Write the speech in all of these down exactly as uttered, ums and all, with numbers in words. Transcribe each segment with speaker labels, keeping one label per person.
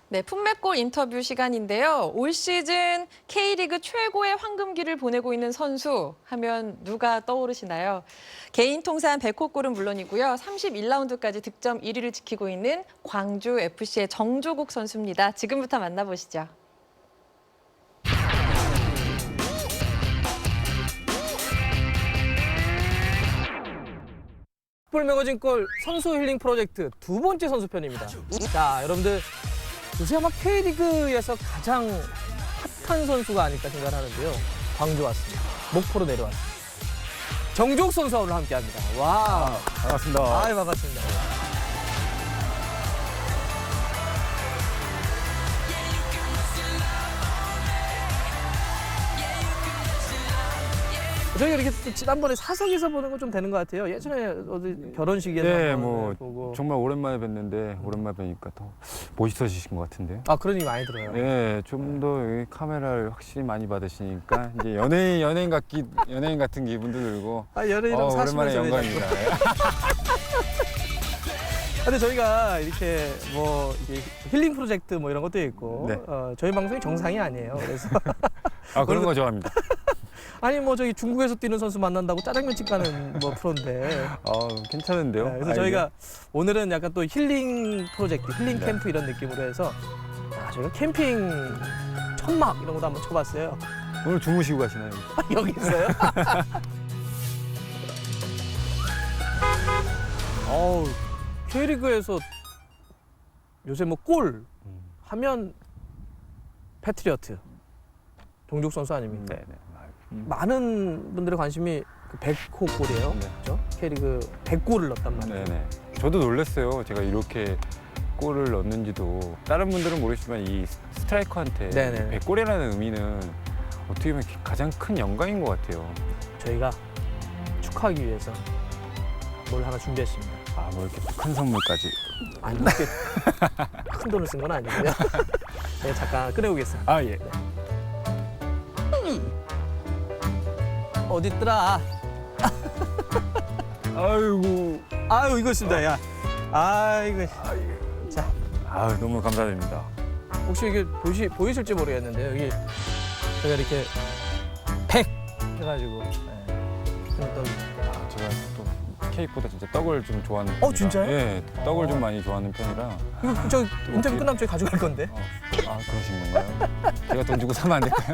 Speaker 1: 네, 품맥골 인터뷰 시간인데요. 올 시즌 K리그 최고의 황금기를 보내고 있는 선수 하면 누가 떠오르시나요? 개인 통산 백 호 골은 물론이고요. 삼십일 라운드까지 득점 일 위를 지키고 있는 광주에프씨의 정조국 선수입니다. 지금부터 만나보시죠.
Speaker 2: 풋볼 매거진 골 선수 힐링 프로젝트 두 번째 선수편입니다. 자, 여러분들 요새 아마 K리그에서 가장 핫한 선수가 아닐까 생각을 하는데요. 광주 왔습니다. 목포로 내려왔습니다. 정조국 선수와 오늘 함께합니다. 와,
Speaker 3: 반갑습니다.
Speaker 2: 아, 반갑습니다. 저희가 이렇게 또 지난번에 사석에서 보는 건 좀 되는 것 같아요. 예전에 어디 결혼식에서
Speaker 3: 네,
Speaker 2: 한번
Speaker 3: 뭐
Speaker 2: 보고.
Speaker 3: 정말 오랜만에 뵀는데 오랜만에 뵈니까 더 멋있어지신 것 같은데요.
Speaker 2: 아, 그런 얘기 많이 들어요.
Speaker 3: 네, 좀 더 카메라를 확실히 많이 받으시니까 이제 연예인 연예인 같기 연예인 같은 기분도 들고.
Speaker 2: 아, 연예인은
Speaker 3: 어,
Speaker 2: 사십
Speaker 3: 오랜만에
Speaker 2: 년 전에
Speaker 3: 영광입니다.
Speaker 2: 근데 저희가 이렇게 뭐 이게 힐링 프로젝트 뭐 이런 것도 있고
Speaker 3: 네.
Speaker 2: 어, 저희 방송이 정상이 아니에요. 그래서
Speaker 3: 아, 그런 거 좋아합니다.
Speaker 2: 아니 뭐 저기 중국에서 뛰는 선수 만난다고 짜장면집 가는 뭐 프로인데.
Speaker 3: 어, 괜찮은데요.
Speaker 2: 네, 그래서
Speaker 3: 아이디어?
Speaker 2: 저희가 오늘은 약간 또 힐링 프로젝트, 힐링
Speaker 3: 네.
Speaker 2: 캠프 이런 느낌으로 해서 아, 저희가 캠핑 천막 이런 것도 한번 쳐봤어요.
Speaker 3: 오늘 주무시고 가시나요?
Speaker 2: 여기 있어요? 어우, K리그에서 요새 뭐 골 하면 패트리어트 정juk 선수 아닙니까?
Speaker 3: 네, 네.
Speaker 2: 많은 분들의 관심이 그 백 호 골이에요.
Speaker 3: 네.
Speaker 2: 그렇죠? K리그 백 골을 넣었단 말이에요.
Speaker 3: 네네. 저도 놀랐어요. 제가 이렇게 골을 넣는지도. 다른 분들은 모르시지만 이 스트라이커한테
Speaker 2: 네네.
Speaker 3: 백 골이라는 의미는 어떻게 보면 가장 큰 영광인 것 같아요.
Speaker 2: 저희가 축하하기 위해서 뭘 하나 준비했습니다.
Speaker 3: 아, 뭐 이렇게 또 큰 선물까지.
Speaker 2: 아니, 이렇게 큰 돈을 쓴 건 아니고요. 네, 잠깐 꺼내오겠습니다.
Speaker 3: 아, 예.
Speaker 2: 어디 있더라?
Speaker 3: 아이고.
Speaker 2: 아유, 이거 있습니다. 야. 아이고. 자,
Speaker 3: 아, 너무 감사드립니다.
Speaker 2: 혹시 이게 보시, 보이실지 모르겠는데 여기 제가 이렇게 백 해가지고 네. 또
Speaker 3: 아, 제가 또 케이크보다 진짜 떡을 좀 좋아하는
Speaker 2: 어,
Speaker 3: 편이라.
Speaker 2: 진짜요?
Speaker 3: 예, 떡을
Speaker 2: 어.
Speaker 3: 좀 많이 좋아하는 편이라.
Speaker 2: 이거 저 인터뷰
Speaker 3: 어떻게-
Speaker 2: 끝나면 저희 가져갈 건데.
Speaker 3: 어, 아, 그러신 건가요? 제가 돈 주고 사면 안 될까요?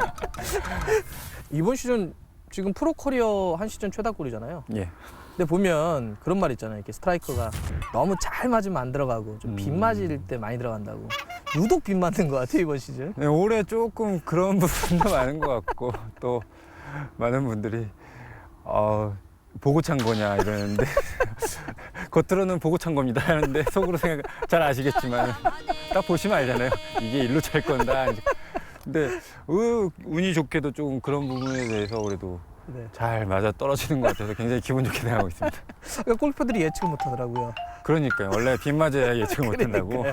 Speaker 2: 이번 시즌 지금 프로 커리어 한 시즌 최다골이잖아요.
Speaker 3: 예.
Speaker 2: 근데 보면 그런 말 있잖아요. 이렇게 스트라이커가 너무 잘 맞으면 안 들어가고 좀 빗
Speaker 3: 음.
Speaker 2: 맞을 때 많이 들어간다고. 유독 빗 맞는 것 같아요, 이번 시즌.
Speaker 3: 네, 올해 조금 그런 부분도 많은 것 같고 또 많은 분들이 어, 보고 찬 거냐 이러는데 겉으로는 보고 찬 겁니다 하는데 속으로 생각 잘 아시겠지만 딱 보시면 알잖아요. 이게 일로 찰 건다. 근데 어, 운이 좋게도 조금 그런 부분에 대해서 그래도
Speaker 2: 네.
Speaker 3: 잘 맞아 떨어지는 것 같아서 굉장히 기분 좋게 생각하고 있습니다.
Speaker 2: 그러니까 골퍼들이 예측을 못 하더라고요.
Speaker 3: 그러니까요. 원래 빗 맞아야 예측을 못 한다고.
Speaker 2: 그러니까요.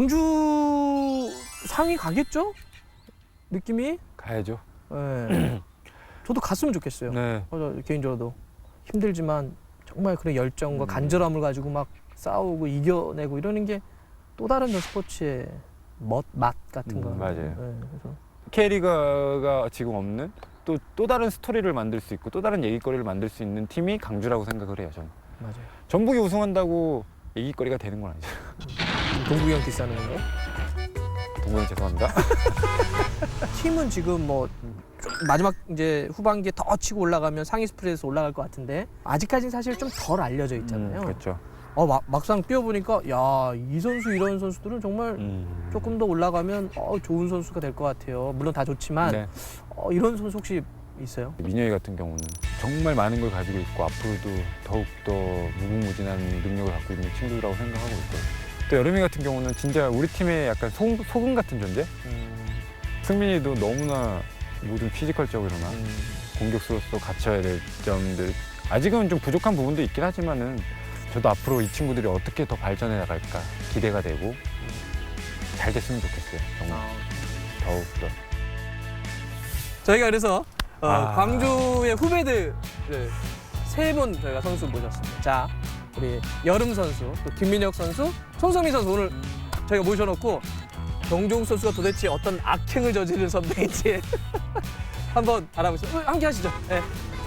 Speaker 2: 광주 상위 가겠죠? 느낌이?
Speaker 3: 가야죠.
Speaker 2: 네. 저도 갔으면 좋겠어요.
Speaker 3: 네.
Speaker 2: 어, 저 개인적으로도 힘들지만 정말 그런 열정과
Speaker 3: 음.
Speaker 2: 간절함을 가지고 막 싸우고 이겨내고 이러는 게 또 다른 스포츠의 멋, 맛 같은
Speaker 3: 음,
Speaker 2: 거.
Speaker 3: 맞아요.
Speaker 2: 네, 그래서
Speaker 3: K리그가 지금 없는 또, 또 다른 스토리를 만들 수 있고 또 다른 얘기거리를 만들 수 있는 팀이 강주라고 생각을 해요. 저는.
Speaker 2: 맞아요.
Speaker 3: 전북이 우승한다고 얘기거리가 되는 건 아니죠.
Speaker 2: 동국이 형 디스하는 건가요?
Speaker 3: 동구형 죄송합니다.
Speaker 2: 팀은 지금 뭐 마지막 이제 후반기에 더 치고 올라가면 상위 스프레드에서 올라갈 것 같은데 아직까지는 사실 좀 덜 알려져 있잖아요.
Speaker 3: 음, 그렇죠.
Speaker 2: 어, 막, 막상 뛰어보니까 야, 이 선수 이런 선수들은 정말
Speaker 3: 음.
Speaker 2: 조금 더 올라가면 어, 좋은 선수가 될 것 같아요. 물론 다 좋지만
Speaker 3: 네.
Speaker 2: 어, 이런 선수 혹시 있어요?
Speaker 3: 민혁이 같은 경우는 정말 많은 걸 가지고 있고 앞으로도 더욱더 무궁무진한 능력을 갖고 있는 친구라고 생각하고 있고요. 또 여름이 같은 경우는 진짜 우리 팀의 약간 소, 소금 같은 존재?
Speaker 2: 음,
Speaker 3: 승민이도 너무나 모든 피지컬적으로나
Speaker 2: 음,
Speaker 3: 공격수로서 갖춰야 될 점들 아직은 좀 부족한 부분도 있긴 하지만은 저도 앞으로 이 친구들이 어떻게 더 발전해 나갈까 기대가 되고 잘 됐으면 좋겠어요. 정말
Speaker 2: 아.
Speaker 3: 더욱더.
Speaker 2: 저희가 그래서 어,
Speaker 3: 아.
Speaker 2: 광주의 후배들 세 분 저희가 선수 모셨습니다. 자, 우리 여름 선수, 또 김민혁 선수, 손성민 선수 오늘 저희가 모셔놓고 정종욱 선수가 도대체 어떤 악행을 저지른 선배인지 한번 알아보시죠. 어, 함께 하시죠. 네.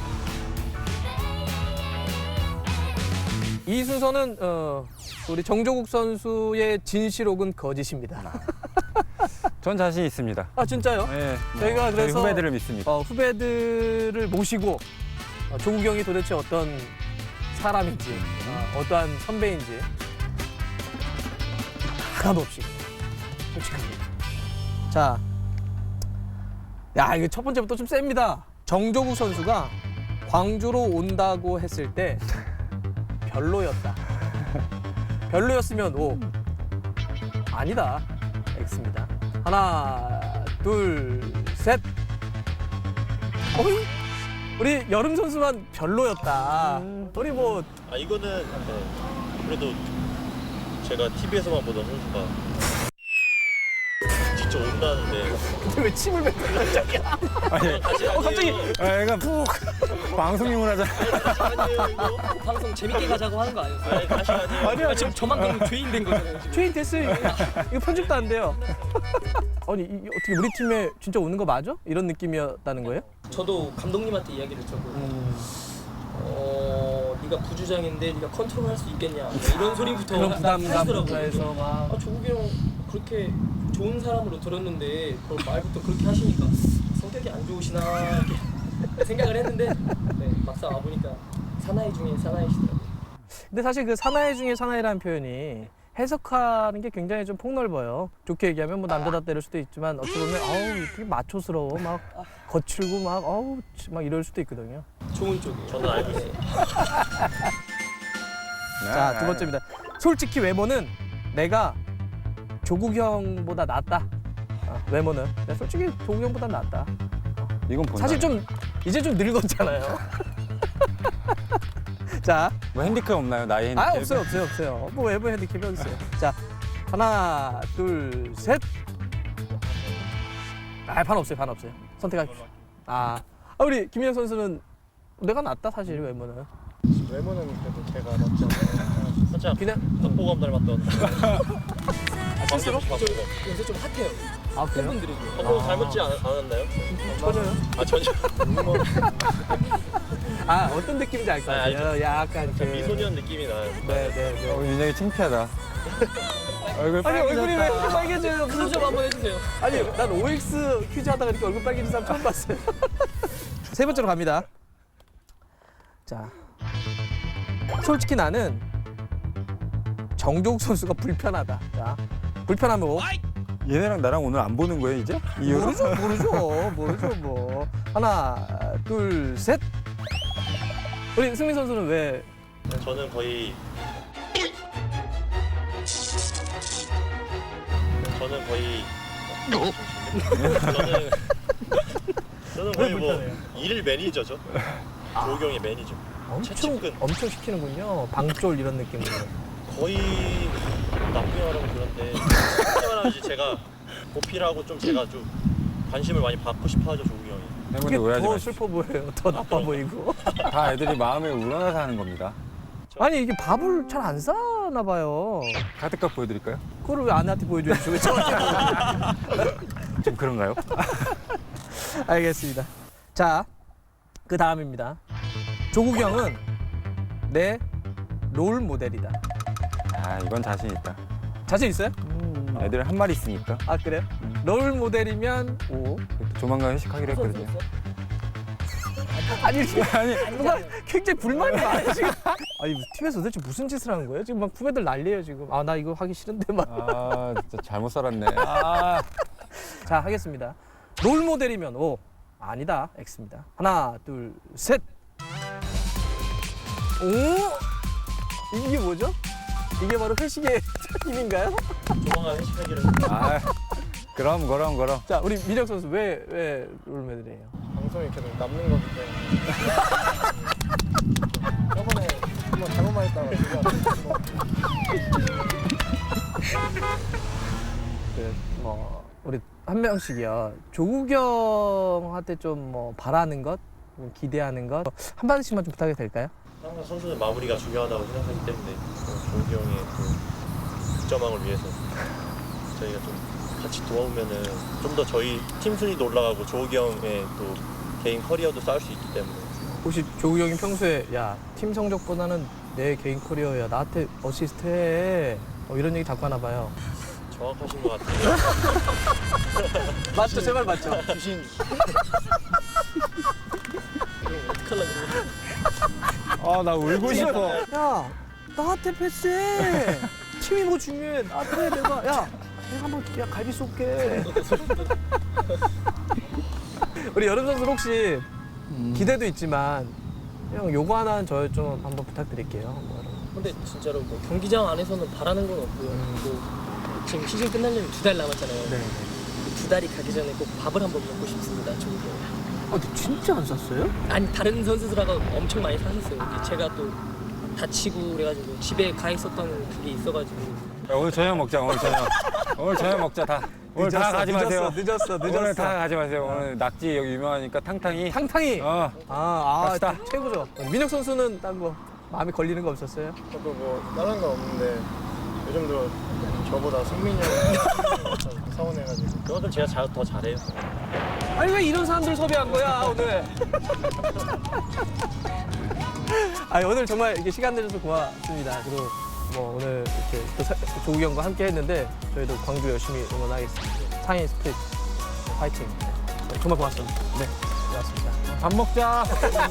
Speaker 2: 이 순서는 어, 우리 정종욱 선수의 진실 혹은 거짓입니다.
Speaker 3: 전 자신 있습니다.
Speaker 2: 아 진짜요?
Speaker 3: 네, 뭐
Speaker 2: 저희가
Speaker 3: 저희
Speaker 2: 그래서
Speaker 3: 후배들을 믿습니다.
Speaker 2: 어, 후배들을 모시고 어, 조국 형이 도대체 어떤 사람인지 어, 어떠한 선배인지 하나도 없이 솔직합니다. 자, 야 이거 첫 번째부터 좀 셉니다. 정조국 선수가 광주로 온다고 했을 때 별로였다. 별로였으면 O, 아니다 X입니다. 하나, 둘, 셋. 어이? 우리 여름 선수만 별로였다. 우리 뭐
Speaker 4: 아 이거는 네. 그래도 제가 티비에서만 보던 선수가 직접 온다는데
Speaker 2: 왜 침을 뱉어 갑자기?
Speaker 3: 아니,
Speaker 4: 다시
Speaker 2: 어, 갑자기.
Speaker 3: 아, 얘가 푹 방송용을 하자.
Speaker 4: 아니에요 이거?
Speaker 5: 방송 재밌게 가자고 하는 거 아니었어요?
Speaker 4: 아니 다시 아니에요.
Speaker 2: 아니야
Speaker 5: 지금 저만 그러면 죄인 된 거잖아요. 지금.
Speaker 2: 죄인 됐어요. 이거 편집도 안 돼요. 아니 이, 어떻게 우리 팀에 진짜 오는 거 맞아? 이런 느낌이었다는 거예요?
Speaker 5: 저도 감독님한테 이야기를 했고 어, 네가 부주장인데 네가 컨트롤할 수 있겠냐 뭐 이런 소리부터
Speaker 2: 그런 부담감부터
Speaker 5: 하시더라고요.
Speaker 2: 해서 막.
Speaker 5: 아, 조국이 형 그렇게 좋은 사람으로 들었는데 그걸 말부터 그렇게 하시니까 성격이 안 좋으시나 이렇게 생각을 했는데 네, 막상 와보니까 사나이 중에 사나이시더라고요.
Speaker 2: 근데 사실 그 사나이 중에 사나이라는 표현이 해석하는 게 굉장히 좀 폭넓어요. 좋게 얘기하면 뭐 남자다 때릴 수도 있지만 어찌 보면 아우 되게 마초스러워 막 거칠고 막 아우 막 이럴 수도 있거든요.
Speaker 5: 좋은 쪽이에요.
Speaker 4: 저는 알고 있어요.
Speaker 2: 자, 두 번째입니다. 솔직히 외모는 내가 조국 형보다 낫다. 아, 외모는 내가 솔직히 조국 형보다 낫다.
Speaker 3: 이건 본다.
Speaker 2: 사실 좀 이제 좀 늙었잖아요. 자,
Speaker 3: 뭐 핸디캡 없나요? 나이 핸디캡?
Speaker 2: 아 없어요 없어요 없어요. 뭐 외모 핸디캡이 어디 있어요? 자, 하나, 둘, 셋. 아, 반 없어요, 반 없어요. 선택하십시오. 아, 아 우리 김민혁 선수는 내가 낫다 사실 외모는.
Speaker 4: 외모는 그래도 제가 낫지 않나요? 살짝
Speaker 2: 그냥
Speaker 4: 박보검 닮았던.
Speaker 2: 스스로?
Speaker 4: 박보검.
Speaker 5: 요새 좀 핫해요.
Speaker 2: 아 그래요?
Speaker 5: 팬분들이.
Speaker 4: 박보검 닮았지 않, 않았나요?
Speaker 2: 전혀요.
Speaker 4: 아 전혀.
Speaker 2: 아 어떤 느낌인지 알 것
Speaker 4: 아,
Speaker 2: 같아요. 약간 그
Speaker 4: 미소년 느낌이 나요.
Speaker 2: 네네네.
Speaker 3: 어, 굉장히 창피하다. 얼굴
Speaker 2: 아니 얼굴이 왜
Speaker 3: 빨개졌다.
Speaker 2: 이렇게 빨개져요?
Speaker 5: 그좀 한번 해주세요.
Speaker 2: 아니 난 오엑스 퀴즈 하다가 이렇게 얼굴 빨개진 사람 처음 봤어요. 세 번째로 갑니다. 자, 솔직히 나는 정종욱 선수가 불편하다. 자, 불편하면 뭐?
Speaker 3: 얘네랑 나랑 오늘 안 보는 거예요 이제? 이후로?
Speaker 2: 모르죠, 모르죠, 모르죠 뭐. 하나, 둘, 셋. 우리 승민 선수는 왜?
Speaker 4: 저는 거의 저는 거의 저는 저는 거의 뭐
Speaker 2: 불편해요?
Speaker 4: 일 매니저죠. 조국 형의 매니저.
Speaker 2: 엄청
Speaker 4: 최측근.
Speaker 2: 엄청 시키는군요. 방쫄 이런 느낌으로.
Speaker 4: 거의 나쁘게 말하면 그런데 솔직히 말하면 이제 제가 보필하고 좀 제가 좀 관심을 많이 받고 싶어하죠 조국 형이.
Speaker 2: 그게
Speaker 3: 팬분들 오해하지
Speaker 2: 더
Speaker 3: 마시고.
Speaker 2: 슬퍼 보여요. 더 나빠 보이고.
Speaker 3: 다 애들이 마음에 우러나서 하는 겁니다.
Speaker 2: 아니 이게 밥을 잘 안 사나 봐요.
Speaker 3: 카드값 보여드릴까요?
Speaker 2: 그걸 왜 아내한테 보여줘야죠? 왜 저한테
Speaker 3: 좀 그런가요?
Speaker 2: 알겠습니다. 자, 그 다음입니다. 조국 형은 내 롤 모델이다.
Speaker 3: 아 이건 자신 있다.
Speaker 2: 자신 있어요?
Speaker 3: 애들 한 마리 있으니까.
Speaker 2: 아 그래요? 롤 모델이면 오.
Speaker 3: 조만간 회식하기로 했거든요.
Speaker 2: 아니 아니 누가 굉장히 불만이 많아요 지금. 아니 팀에서 도대체 무슨 짓을 하는 거예요? 지금 막 후배들 난리예요 지금. 아 나 이거 하기 싫은데 막.
Speaker 3: 아 진짜 잘못 살았네. 아.
Speaker 2: 자 하겠습니다. 롤 모델이면 O. 아니다 X입니다. 하나 둘 셋. 오. 이게 뭐죠? 이게 바로 회식의 힘인가요?
Speaker 4: 조만간 회식하기로
Speaker 3: 아 그럼 그럼 그럼.
Speaker 2: 자 우리 민혁 선수 왜 왜 롤 모델이에요?
Speaker 6: 방송이 계속 남는 거기 때문에 저번에 한번 잘못 말했다가 제가
Speaker 2: 그뭐 우리 한 명씩이요. 조국 형한테 좀 뭐 바라는 것, 뭐 기대하는 것 한 마디씩만 좀 부탁해도 될까요?
Speaker 4: 항상 선수는 마무리가 중요하다고 생각하기 때문에 또 조국 형의 그 득점왕을 위해서 저희가 좀 같이 도와오면은 좀 더 저희 팀 순위도 올라가고 조욱이 형의 또 개인 커리어도 쌓을 수 있기 때문에.
Speaker 2: 혹시 조우 형이 평소에 야 팀 성적보다는 내 개인 커리어야 나한테 어시스트 해 어, 이런 얘기 자꾸 하나 봐요.
Speaker 4: 정확하신 것 같아요.
Speaker 2: 맞죠? 제 말 맞죠?
Speaker 6: 귀신
Speaker 5: 어떡하려고
Speaker 3: 아, 나 울고 싶어.
Speaker 2: 야 나한테 패스해. 팀이 뭐 중요해. 나한테 내가 야 내가 한번 야 갈비 쏠게. 우리 여름 선수 혹시 기대도 있지만 형 요거 하나는 저 좀 한번 부탁드릴게요. 뭐 이런 거.
Speaker 5: 근데 진짜로 뭐 경기장 안에서는 바라는 건 없고요. 뭐 지금 시즌 끝나려면 두 달 남았잖아요.
Speaker 2: 네.
Speaker 5: 두 달이 가기 전에 꼭 밥을 한번 먹고 싶습니다. 저기.
Speaker 2: 아, 근데 진짜 안 샀어요?
Speaker 5: 아니 다른 선수들하고 엄청 많이 사셨어요. 근데 제가 또 다치고 그래가지고 집에 가 있었던 그게 있어가지고
Speaker 3: 야, 오늘 저녁 먹자. 오늘 저녁. 오늘 저녁 먹자 다. 오늘 다 가지 마세요.
Speaker 2: 늦었어, 늦었어.
Speaker 3: 오늘 다 가지 마세요. 오늘 낙지 여기 유명하니까 탕탕이.
Speaker 2: 탕탕이.
Speaker 3: 어.
Speaker 2: 아, 아
Speaker 3: 갑시다.
Speaker 2: 최고죠. 민혁 선수는 딱 뭐 마음에 걸리는 거 없었어요?
Speaker 6: 저도 뭐 다른 건 없는데 요즘 들어 저보다 승민이 형이 좀 서운해가지고
Speaker 4: 그만큼 제가 자, 더 잘해요.
Speaker 2: 아니 왜 이런 사람들 섭외한 거야 오늘? 아니 오늘 정말 이렇게 시간 내줘서 고맙습니다. 그리고 뭐 오늘 이렇게 또 사- 조욱이 형과 함께 했는데 저희도 광주 열심히 응원하겠습니다. 상해 스프릿 파이팅. 네, 정말 고맙습니다. 네, 고맙습니다.
Speaker 3: 밥 먹자.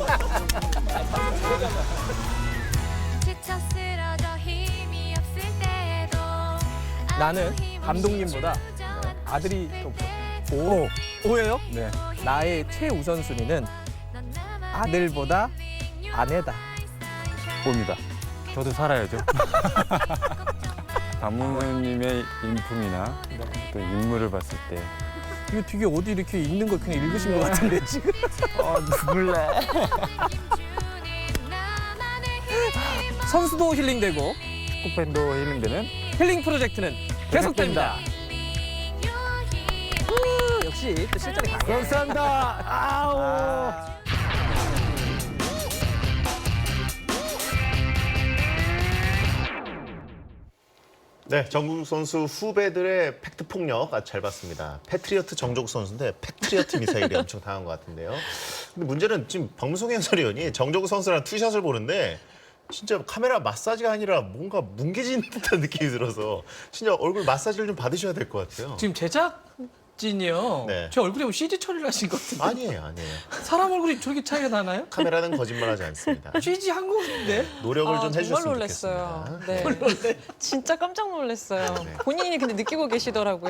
Speaker 7: 지쳐 쓰러져 힘이 없을 때도
Speaker 2: 나는 감독님보다 아들이 더 오, 오예요?
Speaker 3: 네.
Speaker 2: 나의 최우선 순위는 아들보다 아내다.
Speaker 3: 봅니다. 저도 살아야죠. 박문수님의 인품이나 또 인물을 봤을 때
Speaker 2: 이거 되게 어디 이렇게 읽는 걸 그냥 읽으신 것 같은데 지금.
Speaker 3: 어, 눈물 나.
Speaker 2: 선수도 힐링되고
Speaker 3: 축구팬도 힐링되는
Speaker 2: 힐링 프로젝트는 계속됩니다. 우, 역시 또 실전이 강해.
Speaker 3: 감사합니다. 아우.
Speaker 8: 네, 정국 선수 후배들의 팩트 폭력 아주 잘 봤습니다. 패트리어트 정국 선수인데 패트리어트 미사일이 엄청 당한 것 같은데요. 근데 문제는 지금 박무성 해설위원이 정국 선수랑 투샷을 보는데 진짜 카메라 마사지가 아니라 뭔가 뭉개지는 듯한 느낌이 들어서 진짜 얼굴 마사지를 좀 받으셔야 될 것 같아요.
Speaker 2: 지금 제작진이요.
Speaker 8: 네.
Speaker 2: 제 얼굴에 뭐 씨지 처리를 하신 것 같은데.
Speaker 8: 아니에요, 아니에요.
Speaker 2: 사람 얼굴이 저렇게 차이가 나나요?
Speaker 8: 카메라는 거짓말하지 않습니다.
Speaker 2: 씨지 한 건데.
Speaker 8: 노력을
Speaker 1: 아,
Speaker 8: 좀
Speaker 1: 정말
Speaker 8: 해주셨으면
Speaker 1: 놀랐어요.
Speaker 8: 좋겠습니다.
Speaker 1: 네. 진짜 깜짝 놀랐어요.
Speaker 8: 네.
Speaker 1: 본인이 근데 느끼고 계시더라고요.